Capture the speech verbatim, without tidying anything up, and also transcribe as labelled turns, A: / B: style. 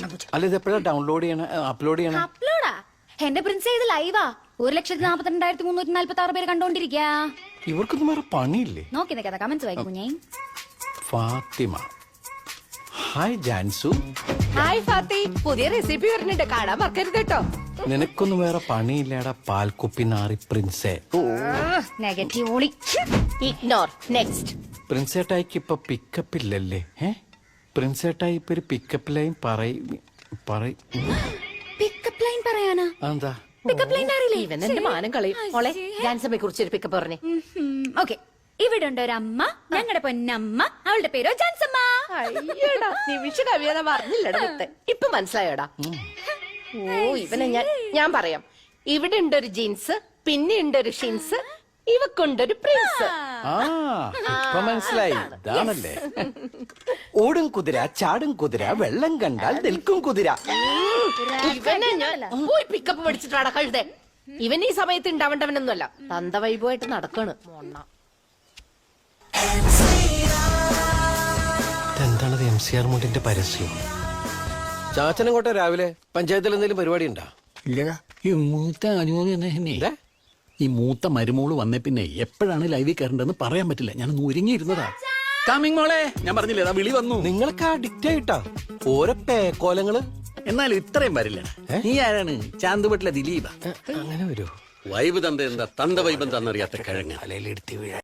A: അല്ല ഇത് എപ്പോഴാ ഡൗൺലോഡ് ചെയ്യണ അപ്ലോഡ് ചെയ്യണ?
B: അപ്ലോഡാ എന്റെ പ്രിൻസ് ഇത് ലൈവാ. ഒരു ലക്ഷത്തി നാപ്പത്തി രണ്ടായിരത്തി മുന്നൂറ്റി നാല്പത്തി ആറ് പേര് കണ്ടോണ്ടിരിക്ക.
A: ഇവർക്കൊന്നും വേറെ പണിയില്ലേ?
B: നോക്കി നിൽക്കാതെ കമന്റ്സ് വായിക്കും ഞാൻ.
A: ഫാത്തിമ ഹായ് ജാൻസു.
C: ഹായ് ഫാത്തി, പുതിയ റെസിപ്പി വരുന്നുണ്ട്, കാണാൻ മറക്കരുത് കേട്ടോ.
A: നിനക്കൊന്നും വേറെ പണിയില്ലേടാ പാൽക്കുപ്പി നാറി പ്രിൻസേ.
B: നെഗറ്റീവ് ഓളി.
C: ഇഗ്നോർ. നെക്സ്റ്റ്.
A: പ്രിൻസേട്ടായിക്ക് ഇപ്പൊ പിക്കപ്പ് ഇല്ലല്ലേ? ഏ പ്രിൻസേട്ടായി ഇപ്പൊ ഒരു പിക്കപ്പ് ലൈൻ പറയും പറയും.
B: പിക്കപ്പ് ലൈൻ പറയാനാ?
A: എന്താ
B: പിക്കപ്പ് ലൈൻ അറിയില്ലേ?
C: ഇവൻ എന്റെ മാനം കളയും. മോളെ ജാൻസമ്മയെ കുറിച്ച് ഒരു പിക്കപ്പ് പറഞ്ഞേ.
B: ഓക്കെ, ഇവിടെ ഉണ്ട് ഒരമ്മ, ഞങ്ങളുടെ പൊന്നമ്മ, അവളുടെ പേരോ ജാൻസമ്മ.
C: അയ്യടാ, നിമിഷ കവിയത പറഞ്ഞില്ലടാ മുത്തെ. ഇപ്പൊ മനസ്സിലായോടാ? ഓ ഇവനെ ഞാൻ ഞാൻ പറയാം. ഇവിടെ ഉണ്ട് ഒരു ജീൻസ്, പിന്നെ ഉണ്ട് ഒരു ഷിൻസ്, ഇവക്കുണ്ടൊരു പ്രിൻസ്.
A: ആ ഇപ്പൊ മനസ്സിലായി. ഇതാണല്ലേ ഓടും കുതിര, ചാടും കുതിര, വെള്ളം കണ്ടാൽ നിൽക്കും കുതിര.
C: ഇവനെ ഞാൻ പോയി പിക്കപ്പ് പഠിച്ചിട്ടാടാ കഴുതേ. ഇവൻ ഈ സമയത്ത് ഉണ്ടാവേണ്ടവനൊന്നുമല്ല, തന്ത വൈബുമായിട്ട് നടക്കാണ് മോണ്ണ.
A: എന്താണത്? എം സി ആർ മുണ്ടിന്റെ പരസ്യം. ചാച്ചനങ്ങോട്ടെ രാവിലെ പഞ്ചായത്തിൽ എന്തെങ്കിലും പരിപാടി ഉണ്ടാ?
D: ഇല്ലടാ, ഈ മൂത്ത അനുമതി തന്നെ. ഈ മൂത്ത മരുമോള് വന്നേ പിന്നെ എപ്പോഴാണ് ലൈവിൽ കയറേണ്ടതെന്ന് പറയാൻ പറ്റില്ല. ഞാൻ ഒരുങ്ങിയിരുന്നതാ. കമ്മിങ് മോളെ, ഞാൻ പറഞ്ഞില്ലേ വിളി വന്നു.
A: നിങ്ങൾക്ക് അഡിക്റ്റ് ആയിട്ടാ ഓരോ പേക്കോലങ്ങള്.
D: എന്നാലും ഇത്രയും വരില്ല. നീ ആരാണ്? ചാന്തുപെട്ടിലെ ദിലീപ.
A: അങ്ങനെ വരൂ.
D: വൈബ് തന്ത എന്താ തന്ത വൈബം തന്നറിയാത്ത കിഴങ്ങ്
A: അലയിലെടുത്തി വീഴ